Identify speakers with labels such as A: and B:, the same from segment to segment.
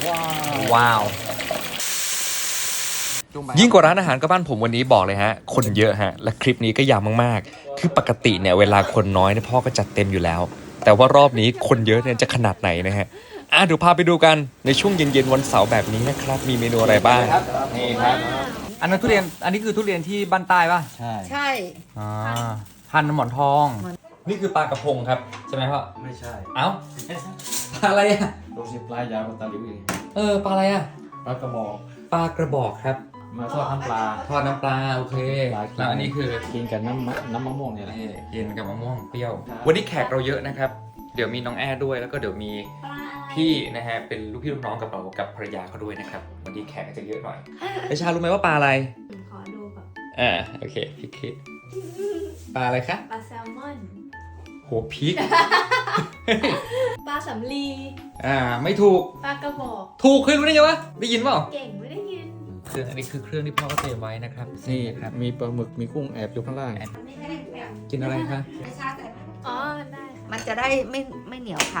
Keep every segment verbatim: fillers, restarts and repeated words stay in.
A: ว้าวยิ่งกว่าร้านอาหารก็บ้านผมวันนี้บอกเลยฮะคนเยอะฮะและคลิปนี้ก็ยาวมากๆคือปกติเนี่ยเวลาคนน้อยเนี่ยพ่อก็จัดเต็มอยู่แล้วแต่ว่ารอบนี้คนเยอะเนี่ยจะขนาดไหนนะฮะอ่ะเดี๋ยวพาไปดูกันในช่วงเย็นๆวันเสาร์แบบนี้นะครับมีเมนูอะไรบ้างนี่ครับอันนั้นทุเรียนอันนี้คือทุเรียนที่บ้านใต้ป่ะใช่
B: ใช่
A: อ่าพันหมอนทอง นี่คือปลากระพงครับใช่ไหมพ่อ
C: ไม่ใช่
A: เอ้าปลาอะไรอ่ะ
C: โรสิปลายาวกว่าตาลิวอีก
A: เออปลาอะไรอ่ะ
C: ปลากระบอก
A: ปลากระบอกครับ
C: มาทอดน้ำปลา
A: ทอดน้ำปลาโอเคแล้วอันนี้คือ
C: กินกับน้ำมะน้ำมะม่วงเนี่ยแหละ
A: นี่กินกับมะม่วงเปรี้ยว วันนี้แขกเราเยอะนะครับ เดี๋ยวมีน้องแอร์ด้วยแล้วก็เดี๋ยวมีพี่นะฮะเป็นลูกพี่ลูกน้องกับเรากับภรรยาเขาด้วยนะครับวันนี้แขกจะเยอะหน่อยไอชารู้ไหมว่าปลาอะไร
D: ขอดูก่อน
A: อ่าโอเคพี่คิดปลาอะไรคะ
D: ปลาแซลมอน
A: โหพีก
D: ปลาสำลี
A: อ่าไม่ถูก
D: ปลากระบอก
A: ถูกเคยรู้ได้ไงวะได้ยินเปล่า
D: เก่งไม่ได้ยิน
A: เครื่องอันนี้คือเครื่องที่พ่อก็เตรียมไว้นะครับ
C: นี่
A: ครับ
C: มีปลาหมึกมีกุ้งแอบอยู่ข้างล่าง
A: กินอะไรคะ
D: อ๋อ ได้
B: มันจะได้ไม่ไม่เหนียวขา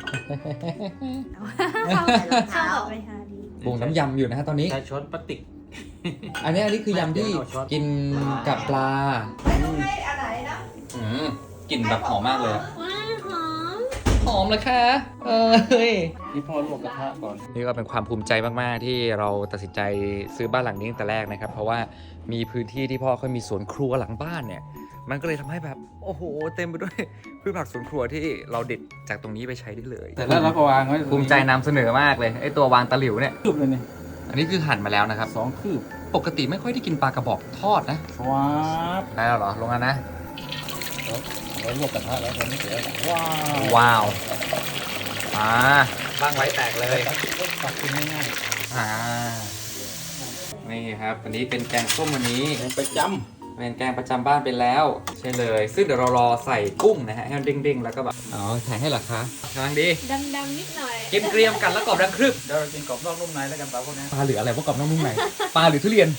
D: เข้ากับไปหาดี
A: ปรุงน้ำยำอยู่นะฮะตอนนี้
C: ใช้ช้อนพลาสติก
A: อันนี้อันนี้คือยำที่กินกับปลา
B: ไม่ต้องให้อะไรนะ
A: อืมกลิ่นแบบหอมมากเลยอะ
D: ว้าหอม
A: หอมเลยค่ะเอ้ย
C: นี่พ่อลวกกระทะก่อน
A: นี่ก็เป็นความภูมิใจมากๆที่เราตัดสินใจซื้อบ้านหลังนี้ตั้งแต่แรกนะครับ เพราะว่ามีพื้นที่ที่พ่อเขามีสวนครัวหลังบ้านเนี่ย มันก็เลยทำให้แบบโอ้โหเต็มไปด้วยพืชผักสวนครัวที่เราเด็ดจากตรงนี้ไปใช้ได้เลย
C: แต่แล้วเราก็วางไว้
A: ภูมิใจนำเสนอมากเลยไอ้ตัววางตะหลิวเนี่ย
C: คืบเลยนี่
A: อันนี้คือหั่นมาแล้วนะครับ
C: สองคืบ
A: ปกติไม่ค่อยได้กินปลากระบอกทอดนะ
C: ว้าบ
A: ได้แล้วเหรอลงกันนะ
C: เราลวกกระทะแล้วตอนนี้เสร็จแล้วว้าว
A: ว้าวอ่าบ้างไว้แตกเลย
C: ตักกินง่าย
A: อ่านี่ครับอันนี้เป็นแกงส้มวันนี้
C: ๆไปจ
A: เป็นแกงประจำบ้านไปแล้วใช่เลย ซึ่งเดี๋ยวเรารอใส่กุ้งนะฮะให้มันเด้งๆแล้วก็แบบอ๋อแข็งให้เหรอคะกำลังดี
D: ดำๆนิดหน่อย
A: กินเกรียมกันแล้วกรอบดังครึบ
C: ำเดี๋ยวเรากินกรอบนอกนุ่มในแล้วกันปลาพวกนี้
A: ปลาหรืออะไรพวกกรอบน้องนุ่มไหนปลาหรือทุเรียน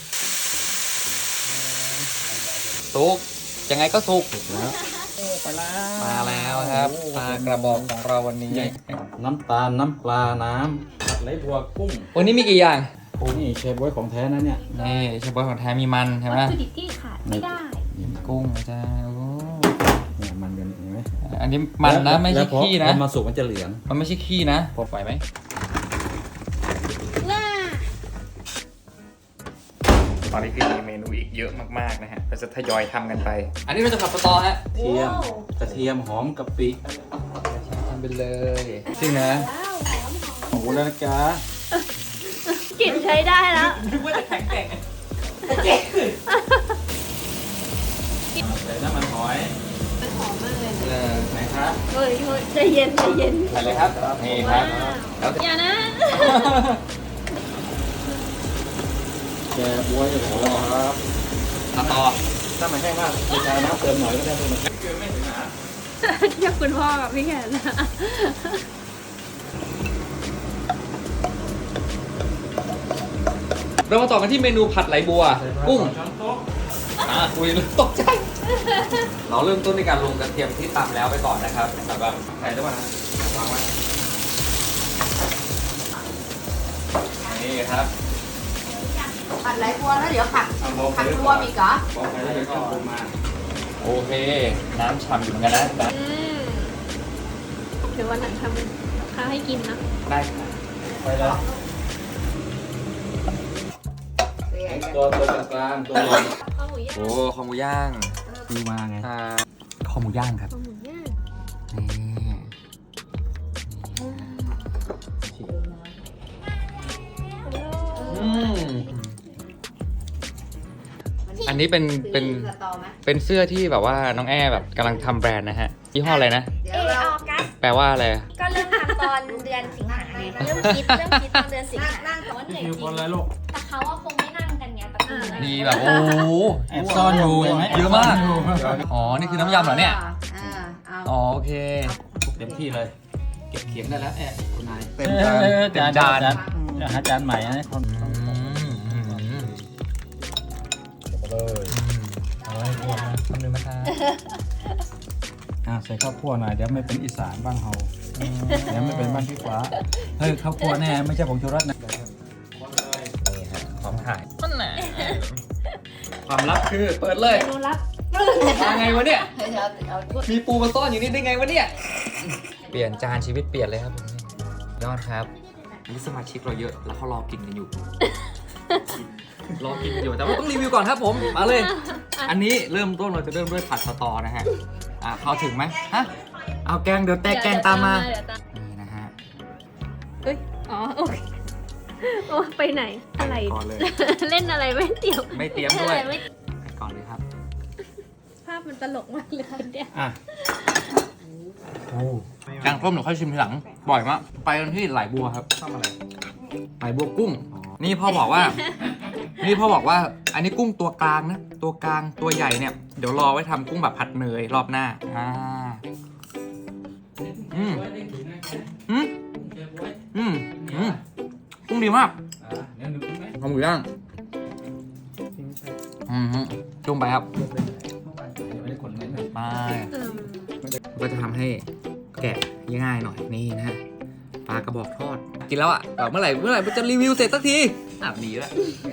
A: สุกยังไงก็สุก
C: ไปแล้ว
A: มาแล้วครับปลากระบอกของเราวันนี้
C: น้ำตาลน้ำปลาน้ำผัดไหลบัวกุ้ง
A: วันนี้มีกี่อย่าง
C: โอ้นี่เชฟบอยของแท้นะเนี่ย
A: นี่เชฟบอยของแท้มีมันใช่ไหม
D: วัตถุดิบที่ขาดไม่ได้
A: กุ้งนะจ้าโอ้
C: เนี่ยมันกันเห็นไหม
A: อันนี้มันนะไม่ใช่ขี้นะ
C: แล้วพอมันสุกมันจะเหลือง
A: มันไม่ใช่ขี้นะพอไหวไหม
D: ว้า
A: ตอนนี้คือมีเมนูอีกเยอะมากๆนะฮะเราจะทยอยทำกันไป อันนี้เราจะผัดสตอฮะ
C: เทียมกระเทียมหอมกะปิ
A: ทำไปเลยจริงนะ
D: ว้าวหอมหอม
C: หมูแล้วนะจ๊ะ
D: กลิ่นใช้ได้แล้ว
A: นึกว่าจะแข็งแกร่ง
C: ใส่น้ำมันหอย
D: มันหอมมากเลย
A: เออ
C: ไหนครับ
D: เฮ้ยเฮ้ยใจเย็นใจเย็น
A: ใส่เลยครับนี่ค
D: ว้า
A: รับ
D: วอย่านะ
C: แกบวยโอ้โหครับ
A: สตอ
C: ถ้ามันแห้งมากจะใช้น้ำเติมหน่อยก็ได้เลยคือไม่ถึงหนา
D: เทียบคุณพ่อกับพี่แขนนะ
A: เรามาต่อกันที่เมนูผัดไหลบัว กุ้ง
C: ช้อนโต๊ะ
A: อ่าคุยตกใจ เราเริ่มต้นในการลงกระเทียมที่ตำแล้วไปก่อนนะครับแล้วก็ใส่ด้วยนะวางไว้นี่ครับ
B: ผัดไหลบัวแล้วเดี๋ยวผัด
C: เอาลงไป
B: ผัด
C: เลย
B: รวมอีกเหรอ
C: บอกไปแล้วก็ลงมา
A: โอเค น้ำฉ่ำอยู่เหมือนกันนะ
D: อืมเดี๋ยววันหลังทำข้าวให้กินนะ
A: ได้ค่ะ
C: ไปแล้วตัวตัวกลางตัวใหญ่
D: ข้าวหมูย่าง
A: โอ้คอหมูย่าง
C: คือมาไง
A: อ่าคอหมูย่างครับ
D: ข้าวหมูย่าง
A: นี่อืมอันนี้เป็นเป็น
B: สตอไหม
A: เป็นเสื้อที่แบบว่าน้องแอร์แบบกำลังทำแบรนด์นะฮะยี่ห้ออะไรนะ
B: เดี๋
E: เอ
B: ยว
E: อ
B: เรา
E: ออกัส
A: แปลว่าอะไร
E: ก็เริ่มทำตอนเดือนสิงหาไงเริ่มคิดเริ่มคิดตอนเดือนสิงหา
B: นั่ง
E: แต่ว่าเหนื่อย
C: คิว
E: จ
C: ค
E: ริ
C: น
E: ง
C: อะไรลูก
E: แต่เขาว่าคงไม่นั่งกันไงแต่คือ
A: มีแบบโอ้โห
C: แอบซ่อนอยู่ใช่ไหม
A: เยอะมาก อ๋อ นี่คือน้ำยำเหรอเนี่ย
B: อ่าเอา
A: อ๋อโอเค
C: เต็มที่เลย เก็บเขียงได้แล้วแอบคุณนาย
A: เต็มจานเต็มจาน
C: จะหาจานใหม่นะคน
A: อืมอืมอืม
C: เลย
A: เอาไว้พวกนะคำนึงนะคะ
C: อ่าใส่ข้าวคั่วหน่อยเดี๋ยวไม่เป็นอีสานบ้างเฮายังไม่เป็นบ้านพี่ฟ้าเฮ้ยข้าวคั่วแน่ไม่ใช่ผงชูรสนะ
A: นี่ฮะพร้อมถ่ายมันแหนความลับคือเปิดเลย
D: เมนูลับ
A: มาไงวะเนี่ย
B: เดี๋ยวเอาถ้วย
A: มีปูมาซ่อนอยู่นี่ได้ไงวะเนี่ย เปลี่ยนจานชีวิตเปลี่ยนเลยครับผมยอดครับนี่สมาชิกเราเยอะแล้วเขารอกินกันอยู่ รอกินกันอยู่แต่ว่าต้องรีวิวก่อนครับผม มาเลย อันนี้เริ่มต้นเราจะเริ่มด้วยผัดสตอนะฮะ อ่ะเข้าถึงไหมฮะ เอาแกงเดี๋ยวแตกแกงตามมา
D: เดี๋ยวตาม
A: นี่นะฮะ
D: เอ้ย อ๋อ โอเคโอ้ไปไหน อะไร
A: ก่อนเลย
D: เล่นอะไรไม่เตรียม
A: ไม่เตรียมด้วย
D: อะไรไม่
A: ไปก่อนเลยครับ
D: ภาพมันตลกมากเลยเนี่ย
A: อ่ะแกงส้มเดี๋ยวค่อยชิมทีหลัง บ่อยมาก ไปกันที่ไหลบัวครับทำอะไรไหลบัวกุ้ง นี่พ่อบอกว่า นี่พ่อบอกว่า อันนี้กุ้งตัวกลางนะ ตัวกลาง ตัวใหญ่เนี่ย เดี๋ยวรอไว้ทำกุ้งแบบผัดเนยรอบหน้า อ่า อืมอืมอืมอืมกุ้งดีมากเอาหมูย่างอืมจุ่มไปครับไป
D: อืม
A: ก็จะทำให้แกะง่ายๆหน่อยนี่นะฮะปลากระบอกทอด กินแล้วอ่ะแบบเมื่อไหร่เมื่อไหร่มันจะรีวิวเสร็จสักทีอ่ะดีแล้ว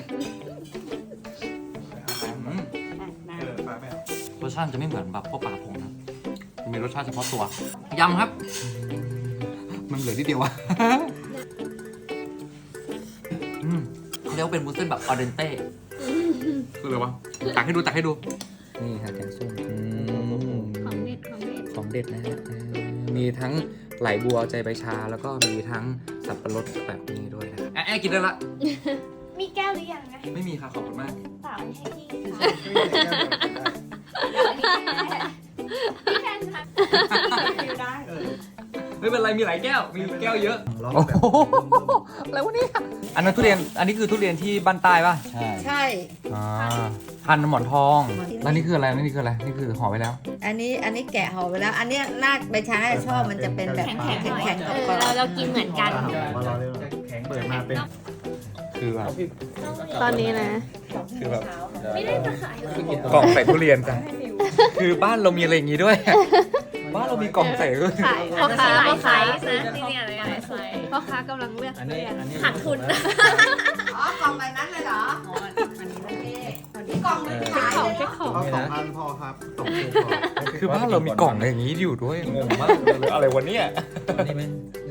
A: อืมรสชาติจะไม่เหมือนแบบพวกปลากระพงนะมันมีรสชาติเฉพาะตัวยำครับ มันเหลือนิดเดียวอะ อืมเขาเรียกว่าเป็นมูสเส้นแบบออเดนเต้คืออะไรวะตักให้ดูตักให้ดูนี่ครับแกงส้ม
D: ของเด็ดของเด็ด
A: ของเด็ดนะฮะเออมีทั้งไหลบัวใจใบชา แล้วก็มีทั้งสับปะรดแบบนี้ด้วยนะแอะกินได้ละ
E: มีแก้วหรือยังนะ
A: ไม่มีค่ะขอบคุณมาก
E: เปล่าไม่ให้พี่ค่ะพี่แทนทำอยู่ได้
A: ไม่เป็นไรมีหลายแก้ว มีแก้วเยอะโอ้โหอะไรวะเนี่ยอันนั้นทุเรียนอันนี้คือทุเรียนที่บ้านใต้ป่ะ
C: ใช่
B: ใช่
A: อ่าพันธุ์หมอนทองแล้วนี่คืออะไรนี่คืออะไรนี่คือห่อไว้แล้ว
B: อันนี้อันนี้แกะห่อไปแล้ว อันเนี้ยน่าใบชาน่าจะชอบมันจะเป็นแบบ
E: แข็งๆหน่อย
B: แข็งๆ
D: เอก
B: ร
D: อ
B: อบ
D: เราเรากินเหมือนกัน
C: เปิดมาเป็น
A: คือแบบ
D: ตอนนี้นะ
A: คือแบบ
E: ไม่ได้จะขาย
A: กล่องใส่ทุเรียนจ้ะคือบ้านเรามีอะไรอย่างงี้ด้วย บ้านเรามีกล่องใส่ด้วย
D: ขายพ่อค้า
E: หลาย
D: พ่อ
E: ไซ
D: ค้า
E: ส์นะที่เนี่ยหลายไซส์
D: พ่อค้ากำลังเลือก
C: อัน
D: ทุ
C: นี้
D: เรียน
C: อันนี้
E: ขาดทุน
B: อ๋อกล่องใบนั้นเลยเหรออ๋ออันนี้โอเคนี่กล่องหนึงขาย
D: ของ
B: เลย
D: เช็คของ
C: เอาสองพันพอครับสองพันพอ
A: คือบ้านเรามีกล่องอะไรอย่างงี้อยู่ด้วยงงมากเลยอะไรวะเนี่ย
C: อันนี้เป็น